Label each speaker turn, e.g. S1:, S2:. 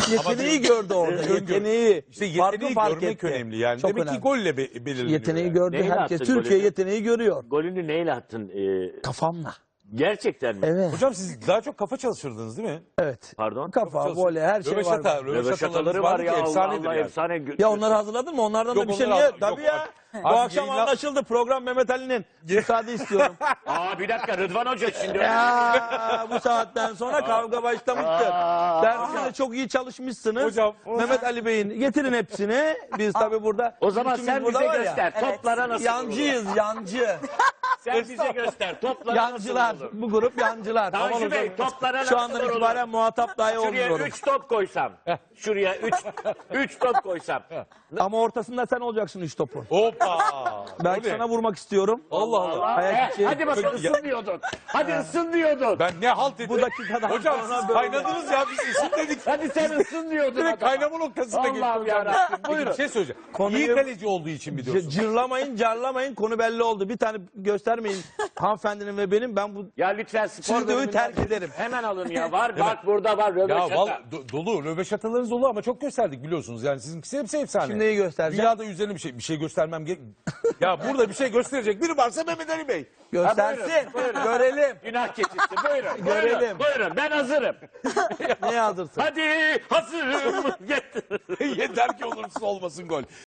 S1: Yeteneği gördü orada. Yeteneği.
S2: İşte
S1: Farkı
S2: yeteneği
S1: fark
S2: görmek
S1: etti.
S2: önemli yani.
S1: Çok
S2: Demek
S1: önemli.
S2: ki golle belirleniyor.
S1: Yeteneği
S2: yani.
S1: gördü
S3: Neyle
S1: herkes.
S3: attın
S1: Türkiye
S3: golünü?
S1: yeteneği görüyor.
S3: Golünü neyle attın?
S1: Kafamla.
S3: Gerçekten mi?
S1: Evet.
S2: Hocam siz daha çok kafa çalıştırdınız değil mi?
S1: Evet.
S3: Pardon?
S1: Kafa, voley her şey var.
S2: Röveşatalarınız
S3: var
S2: vardı ki
S3: ya, Allah
S2: efsanedir
S3: Allah,
S2: yani.
S3: efsane.
S1: Ya onları hazırladın mı? Onlardan da
S2: Yok,
S1: bir şey
S2: onları
S1: niye?
S2: yok,
S1: Tabii ya.
S2: artık-
S1: Bu
S2: artık
S1: akşam
S2: yayınlar-
S1: anlaşıldı. Program Mehmet Ali'nin. Müsaade istiyorum.
S3: Aa, bir dakika, Rıdvan Hoca şimdi.
S1: Ya bu saatten sonra kavga başlamıştır. Dersinde çok iyi çalışmışsınız.
S2: Hocam,
S1: Mehmet Ali Bey'in getirin hepsini. Biz tabii burada.
S3: O zaman
S1: ikimiz
S3: sen
S1: burada
S3: bize
S1: var ya,
S3: göster. Toplara nasıl vurulur?
S1: Yancıyız, yancı.
S3: Sen bize göster. Toplara
S1: Yancılar.
S3: nasıl vurulur?
S1: Bu grup yancılar.
S3: Tanju Bey, toplara nasıl
S1: Şu andan
S3: vurulur?
S1: itibaren muhatap dahi
S3: Şuraya
S1: olmuyorum.
S3: 3 top koysam. Şuraya 3 top koysam.
S1: Ama ortasında sen olacaksın 3 topu.
S2: Hoppa.
S1: Belki
S2: O ne?
S1: sana vurmak istiyorum.
S2: Allah Allah.
S1: Ayak içi.
S3: Hadi bakalım, ısın diyordun. Hadi ısın diyordun.
S2: Ben ne halt ettim.
S1: Bu dakikadan
S2: Hocam
S1: sonra
S2: siz
S1: böyle.
S2: kaynadınız ya biz isim dedik.
S3: Hadi sen ısın diyordun.
S2: Direkt
S3: adama.
S2: kaynama noktasında geçti
S3: Allah'ım
S2: hocam.
S3: yarabbim,
S2: Peki
S3: buyurun.
S2: bir şey söyleyeceğim.
S1: Konuyu-
S2: İyi kaleci olduğu için mi diyorsun?
S1: Cırlamayın, carlamayın. Konu belli oldu. Bir tane göstermeyin hanımefendinin ve benim. Ben bu
S3: Ya lütfen spor
S1: stüdyoyu
S3: bölümünden
S1: terk ederim.
S3: Hemen alın ya. Var bak, burada var.
S2: Ya
S3: Röveşata.
S2: dolu röveşatalarınız dolu ama çok gösterdik biliyorsunuz. Yani sizinkisi hepsi efsane.
S1: Şimdi neyi göstereceğim?
S2: Dünyada üzerine bir şey göstermem gerek. Ya burada bir şey gösterecek biri varsa Mehmet Ali Bey.
S1: Göstersin.
S3: Ha, buyurun.
S1: Görelim.
S3: Günah keçisi. Buyurun.
S1: Görelim.
S3: Buyurun. Buyurun. Ben hazırım.
S1: Neye hazırsın?
S3: Hadi hazırım. Getir.
S2: Yeter ki olursa olmasın gol.